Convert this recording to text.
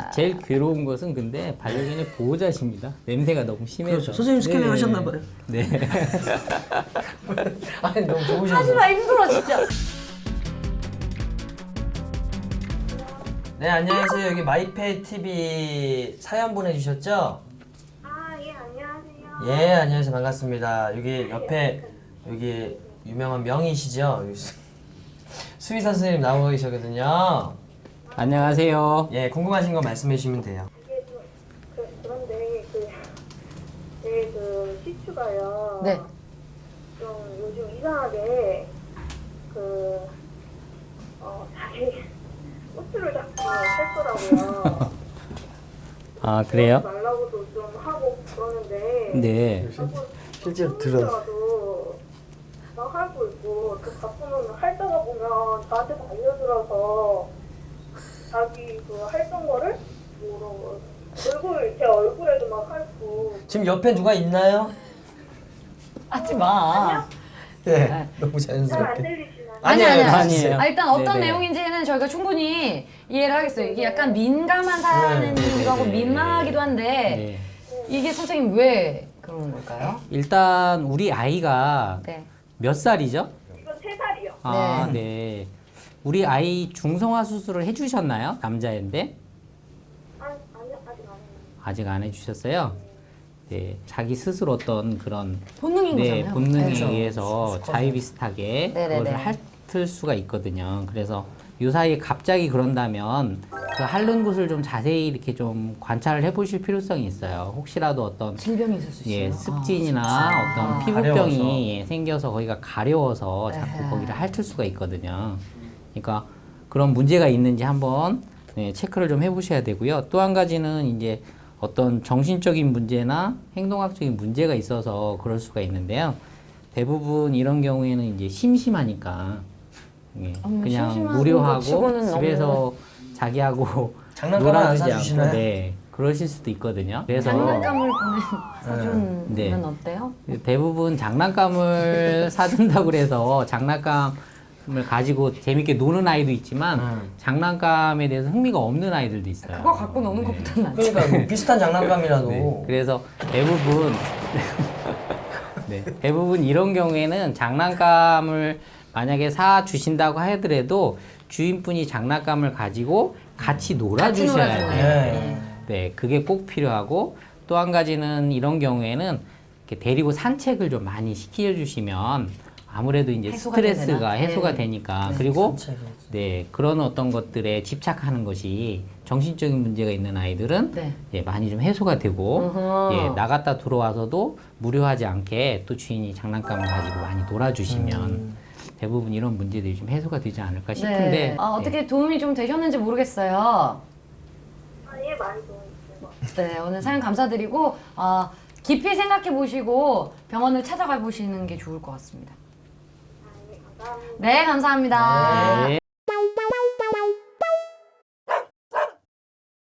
제일 괴로운 것은 근데 반려견의 보호자십니다. 냄새가 너무 심해서. 그렇죠. 선생님 스캐닝 네. 하셨나봐요. 네. 아니 너무 좋으셔서. 하지마 힘들어 진짜. 네 안녕하세요. 여기 마이페이 TV 사연 보내주셨죠? 아, 예, 안녕하세요. 예 안녕하세요 반갑습니다. 여기 옆에 여기 유명한 명의시죠? 여기 수의사 선생님 나오고 계시거든요. 안녕하세요. 예 궁금하신 거 말씀해 주시면 돼요. 이게 좀, 그런데, 제 시추가요. 네. 좀 요즘 이상하게, 자기 꼬투를 자꾸 쳤더라고요. 아 그래요? 말라고도 좀 하고 그러는데. 네. 실제로 들어. 막 하고 있고, 또 가끔은 할다가 보면 나한테 달려들어서 자기 했던 거를 제 얼굴에도 막 핥고. 지금 옆에 누가 있나요? 하지마. 네 너무 잘 안 자연스럽게. 들리시나요? 아니에요. 일단 어떤 네네. 내용인지는 저희가 충분히 이해를 하겠어요. 이게 약간 민감한 사연이기도 하고 민망하기도 한데 네. 이게 선생님 왜 그러는 걸까요? 일단 우리 아이가 네. 몇 살이죠? 이건 3살이요. 아 네. 우리 아이 중성화 수술을 해주셨나요? 남자인데 아니, 아직 안 해요. 아직 안 해주셨어요. 네. 자기 스스로 어떤 그런 본능인 네, 거잖아요. 본능에 그렇죠. 의해서 자유비슷하게 네네네. 그것을 핥을 수가 있거든요. 그래서 요 사이에 갑자기 그런다면 그 핥는 곳을 좀 자세히 이렇게 좀 관찰을 해보실 필요성이 있어요. 혹시라도 어떤 질병이 있을 수 있어요. 예, 습진이나 어떤 가려워서. 피부병이 예, 생겨서 거기가 가려워서 자꾸 에헤. 거기를 핥을 수가 있거든요. 그러니까 그런 문제가 있는지 한번 네, 체크를 좀 해보셔야 되고요. 또 한 가지는 이제 어떤 정신적인 문제나 행동학적인 문제가 있어서 그럴 수가 있는데요. 대부분 이런 경우에는 이제 심심하니까 예, 그냥 심심한 무료하고 것 치고는 집에서 자기하고 장난감을 안 놀아주지 사주시나요? 않고 네, 그러실 수도 있거든요. 그래서 장난감을 사주면 네. 어때요? 대부분 장난감을 사준다고 그래서 장난감을 가지고 재밌게 노는 아이도 있지만 장난감에 대해서 흥미가 없는 아이들도 있어요. 그거 갖고 노는 것보다는 낫지. 그러니까 뭐 비슷한 장난감이라도. 네, 그래서 대부분 네, 대부분 이런 경우에는 장난감을 만약에 사 주신다고 하더라도 주인분이 장난감을 가지고 같이 놀아주셔야 돼요. 네. 네, 그게 꼭 필요하고 또 한 가지는 이런 경우에는 이렇게 데리고 산책을 좀 많이 시켜주시면 아무래도 이제 해소가 스트레스가 되나? 해소가 네. 되니까 네, 그리고 산책을. 네 그런 어떤 것들에 집착하는 것이 정신적인 문제가 있는 아이들은 네. 예, 많이 좀 해소가 되고 어허. 예, 나갔다 들어와서도 무료하지 않게 또 주인이 장난감을 가지고 많이 놀아주시면 대부분 이런 문제들이 좀 해소가 되지 않을까 싶은데 네. 어떻게 도움이 좀 되셨는지 모르겠어요. 아, 예, 많이 도움이 된 것 같아요. 네, 오늘 사연 감사드리고 깊이 생각해 보시고 병원을 찾아가 보시는 게 좋을 것 같습니다. 아, 예, 감사합니다. 네, 감사합니다. 네.